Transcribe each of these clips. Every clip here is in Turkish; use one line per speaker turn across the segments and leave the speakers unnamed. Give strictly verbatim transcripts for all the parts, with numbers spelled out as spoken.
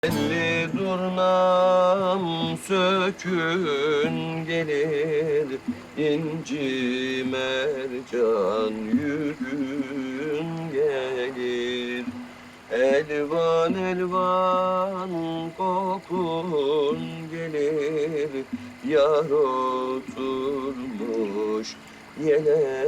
Elli durnam sökün gelir, inci mercan yürün gelir. Elvan elvan kokun gelir, yar oturmuş yele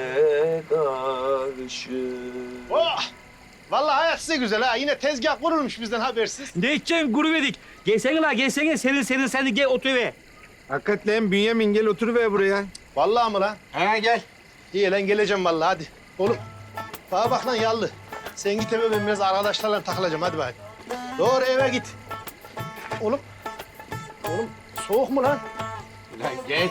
karşı.
Oh! Vallahi hayat size güzel ha. Yine tezgah kurulmuş bizden habersiz.
Ne içeceksin gurubedik? Gelsene la gelsene senin senin sen de gel otur eve.
Hakikaten Bünyamin gel oturuver buraya.
Vallahi mı lan?
Ha gel.
İyi lan geleceğim vallahi hadi. Oğlum bana bak lan yallı. Sen git eve ben biraz arkadaşlarla takılacağım hadi bari. Doğru eve git. Oğlum. Oğlum soğuk mu lan?
Lan gel.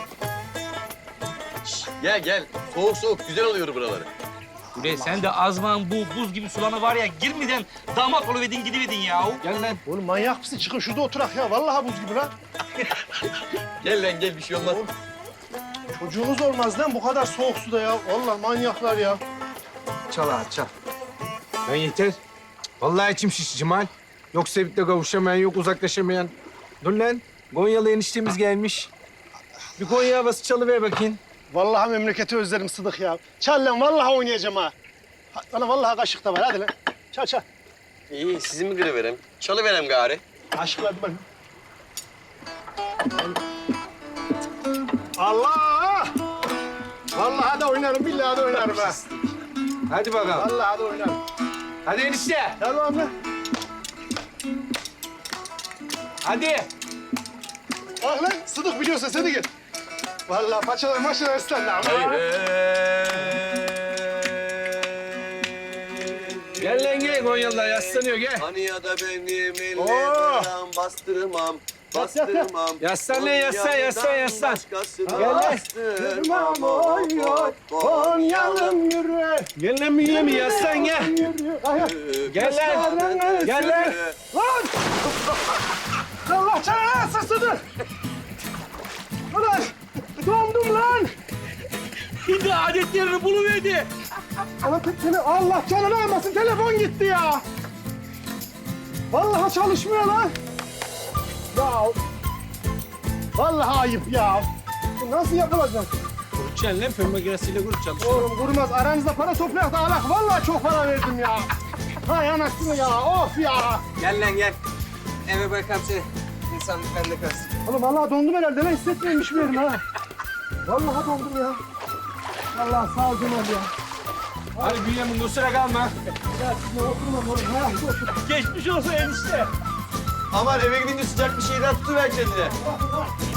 Gel gel, soğuk soğuk güzel oluyor buraları.
Bre sen de azman bu buz gibi sulana var ya girmeden damat oluvedin gidivedin ya.
Gel lan.
Oğlum manyak mısın? Çıkın şurada oturak ya. Vallahi buz gibi lan.
Gel lan gel, bir şey olmaz.
Çocuğunuz olmaz lan bu kadar soğuk suda ya. Vallahi manyaklar ya.
Çal ağa çal. Lan yeter. Vallahi içim şiş Cemal. Yok sevip de kavuşamayan, yok uzaklaşamayan. Dur lan. Gonyalı eniştemiz gelmiş. Bir Konya havası çalıver bakayım.
Vallahi memleketi özlerim Sıdık ya. Çal lan vallahi oynayacağım ha. Ha, Lan vallahi kaşık da var hadi lan. Çal çal.
İyi, sizi mi kırıverem? Çalıverem gari.
Aşkla ben. Allah! Vallahi de oynarım, billahi de oynarım ha.
Hadi bakalım.
Vallahi de oynarım.
Hadi enişte.
Tamam lan.
Hadi.
Bak lan Sıdık biliyorsa sen de gel. Vallahi paçalar maçalar ıslandı ama.
Gel lan gel. Gonyalılar yaslanıyor gel.
Hani ya da benim
Oo!
ellerim bastırmam,
Yat, yat, yat.
bastırmam.
Yaslan lan, yaslan, yaslan, yaslan.
Başkasına
Gel lan.
bastırmam, oy oy,
Konyalım yürü.
Gel lan Bünyamin yaslan gel.
Yürü. Ay, ay.
Gel lan. Gel lan.
Lan! Allah canına alsın Sıdık. Ulan dondum lan.
Şimdi adetlerini buluverdi.
Ana tele Allah canını almasın telefon gitti ya. Vallahi çalışmıyor lan. Ya vallahi ayıp ya. Bu nasıl yapılacak?
Kurutacaksın lan fön makinesiyle kurutacaksın.
Oğlum kurmaz. Aranızda para toplayak da alak. Vallahi çok para verdim ya. Hay anasını ya. Of ya.
Gel lan gel. Eve bırakam seni. İnsanlık bende kalsın.
Oğlum vallahi dondum herhalde. Ben hissetmemiş miyim ha? Vallahi dondum ya. Vallahi sağ ol Cemal ya.
Hadi Bünyamin kusura kalma.
Ya sizinle oturmam oğlum. Ha, otur.
Geçmiş olsun enişte.
Aman eve gidince sıcak bir şeyler tutuver kendine.